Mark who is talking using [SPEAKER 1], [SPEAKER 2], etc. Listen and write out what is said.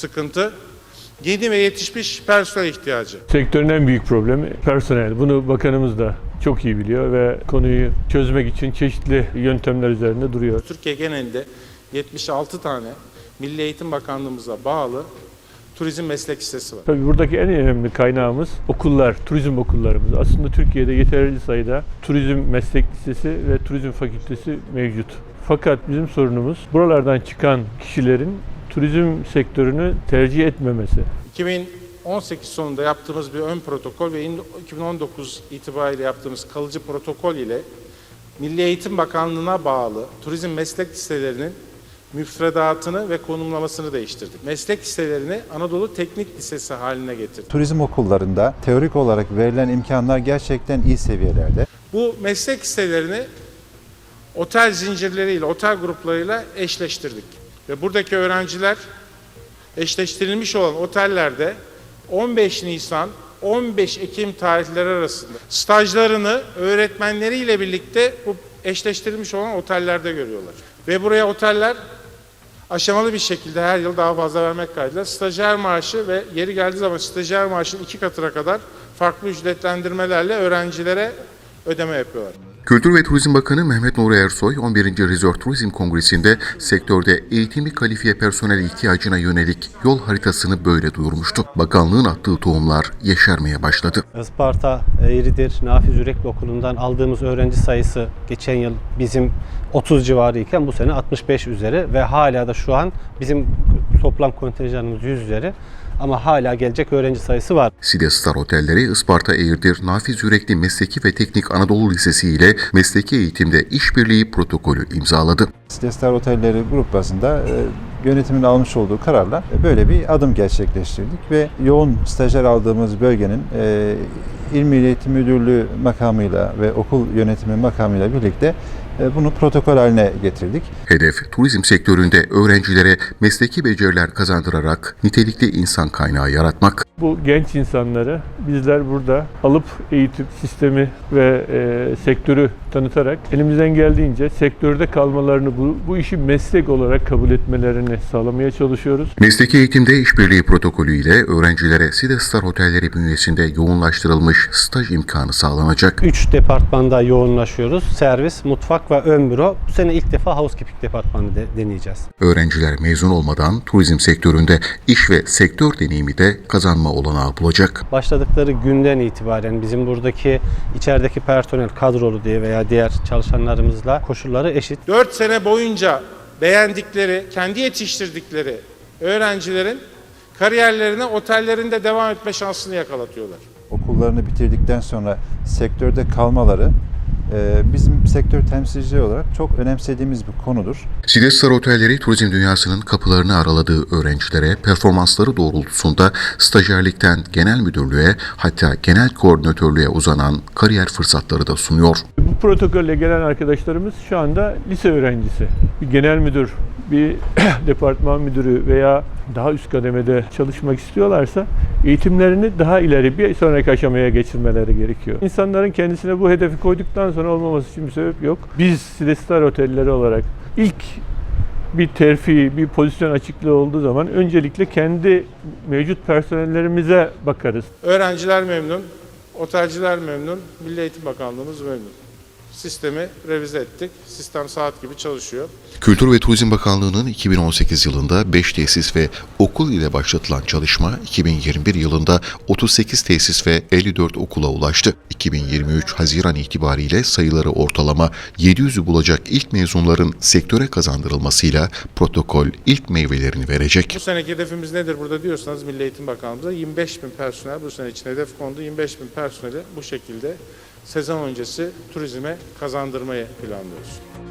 [SPEAKER 1] sıkıntı yeni ve yetişmiş personel ihtiyacı.
[SPEAKER 2] Sektörün en büyük problemi personel. Bunu bakanımız da çok iyi biliyor ve konuyu çözmek için çeşitli yöntemler üzerinde duruyor.
[SPEAKER 1] Türkiye genelinde 76 tane Milli Eğitim Bakanlığımıza bağlı turizm meslek lisesi var.
[SPEAKER 2] Tabii buradaki en önemli kaynağımız okullar, turizm okullarımız. Aslında Türkiye'de yeterli sayıda turizm meslek lisesi ve turizm fakültesi mevcut. Fakat bizim sorunumuz buralardan çıkan kişilerin turizm sektörünü tercih etmemesi.
[SPEAKER 1] 2018 sonunda yaptığımız bir ön protokol ve 2019 itibariyle yaptığımız kalıcı protokol ile Milli Eğitim Bakanlığı'na bağlı turizm meslek liselerinin müfredatını ve konumlamasını değiştirdik. Meslek liselerini Anadolu Teknik Lisesi haline getirdik.
[SPEAKER 3] Turizm okullarında teorik olarak verilen imkanlar gerçekten iyi seviyelerde.
[SPEAKER 1] Bu meslek liselerini otel zincirleriyle, otel gruplarıyla eşleştirdik. Ve buradaki öğrenciler eşleştirilmiş olan otellerde 15 Nisan 15 Ekim tarihleri arasında stajlarını öğretmenleriyle birlikte bu eşleştirilmiş olan otellerde görüyorlar. Ve buraya oteller aşamalı bir şekilde her yıl daha fazla vermek kaydıyla stajyer maaşı ve yeri geldiği zaman stajyer maaşının 2 katına kadar farklı ücretlendirmelerle öğrencilere ödeme yapıyorlar.
[SPEAKER 4] Kültür ve Turizm Bakanı Mehmet Nuri Ersoy, 11. Resort Turizm Kongresi'nde sektörde eğitimli kalifiye personel ihtiyacına yönelik yol haritasını böyle duyurmuştu. Bakanlığın attığı tohumlar yeşermeye başladı.
[SPEAKER 5] Isparta Eğridir Nafiz Yürekli Okulu'ndan aldığımız öğrenci sayısı geçen yıl bizim 30 civarı iken bu sene 65 üzeri ve hala da şu an bizim toplam kontenjanımız 100 üzeri. Ama hala gelecek öğrenci sayısı var.
[SPEAKER 4] Side Star Otelleri, Isparta Eğirdir Nafiz Yürekli Mesleki ve Teknik Anadolu Lisesi ile mesleki eğitimde işbirliği protokolü imzaladı.
[SPEAKER 3] Side Star Otelleri grup bazında yönetimin almış olduğu kararla böyle bir adım gerçekleştirdik ve yoğun stajyer aldığımız bölgenin İl Milli Eğitim Müdürlüğü makamıyla ve okul yönetimi makamıyla birlikte bunu protokol haline getirdik.
[SPEAKER 4] Hedef, turizm sektöründe öğrencilere mesleki beceriler kazandırarak nitelikli insan kaynağı yaratmak.
[SPEAKER 2] Bu genç insanları bizler burada alıp eğitim sistemi ve sektörü tanıtarak elimizden geldiğince sektörde kalmalarını, bu işi meslek olarak kabul etmelerini sağlamaya çalışıyoruz.
[SPEAKER 4] Mesleki eğitimde işbirliği protokolü ile öğrencilere Side Star Otelleri bünyesinde yoğunlaştırılmış staj imkanı sağlanacak.
[SPEAKER 5] 3 departmanda yoğunlaşıyoruz. Servis, mutfak ve ön büro. Bu sene ilk defa housekeeping departmanı deneyeceğiz.
[SPEAKER 4] Öğrenciler mezun olmadan turizm sektöründe iş ve sektör deneyimi de kazanma olanağı bulacak.
[SPEAKER 5] Başladıkları günden itibaren bizim buradaki içerideki personel kadrolu diye veya diğer çalışanlarımızla koşulları eşit.
[SPEAKER 1] 4 sene boyunca beğendikleri, kendi yetiştirdikleri öğrencilerin kariyerlerine otellerinde devam etme şansını yakalatıyorlar.
[SPEAKER 3] Okullarını bitirdikten sonra sektörde kalmaları bizim sektör temsilcileri olarak çok önemsediğimiz bir konudur.
[SPEAKER 4] Side Star Otelleri turizm dünyasının kapılarını araladığı öğrencilere performansları doğrultusunda stajyerlikten genel müdürlüğe hatta genel koordinatörlüğe uzanan kariyer fırsatları da sunuyor.
[SPEAKER 2] Bu protokolle gelen arkadaşlarımız şu anda lise öğrencisi. Bir genel müdür, bir departman müdürü veya daha üst kademede çalışmak istiyorlarsa eğitimlerini daha ileri bir sonraki aşamaya geçirmeleri gerekiyor. İnsanların kendisine bu hedefi koyduktan sonra olmaması için bir sebep yok. Biz Side Star Otelleri olarak ilk bir terfi, bir pozisyon açıklığı olduğu zaman öncelikle kendi mevcut personellerimize bakarız.
[SPEAKER 1] Öğrenciler memnun, otelciler memnun, Milli Eğitim Bakanlığımız memnun. Sistemi revize ettik. Sistem saat gibi çalışıyor.
[SPEAKER 4] Kültür ve Turizm Bakanlığı'nın 2018 yılında 5 tesis ve okul ile başlatılan çalışma 2021 yılında 38 tesis ve 54 okula ulaştı. 2023 Haziran itibariyle sayıları ortalama 700'ü bulacak ilk mezunların sektöre kazandırılmasıyla protokol ilk meyvelerini verecek.
[SPEAKER 1] Bu seneki hedefimiz nedir burada diyorsanız Milli Eğitim Bakanlığımıza 25.000 personel bu sene için hedef kondu. 25.000 personeli bu şekilde sezon öncesi turizme kazandırmayı planlıyoruz.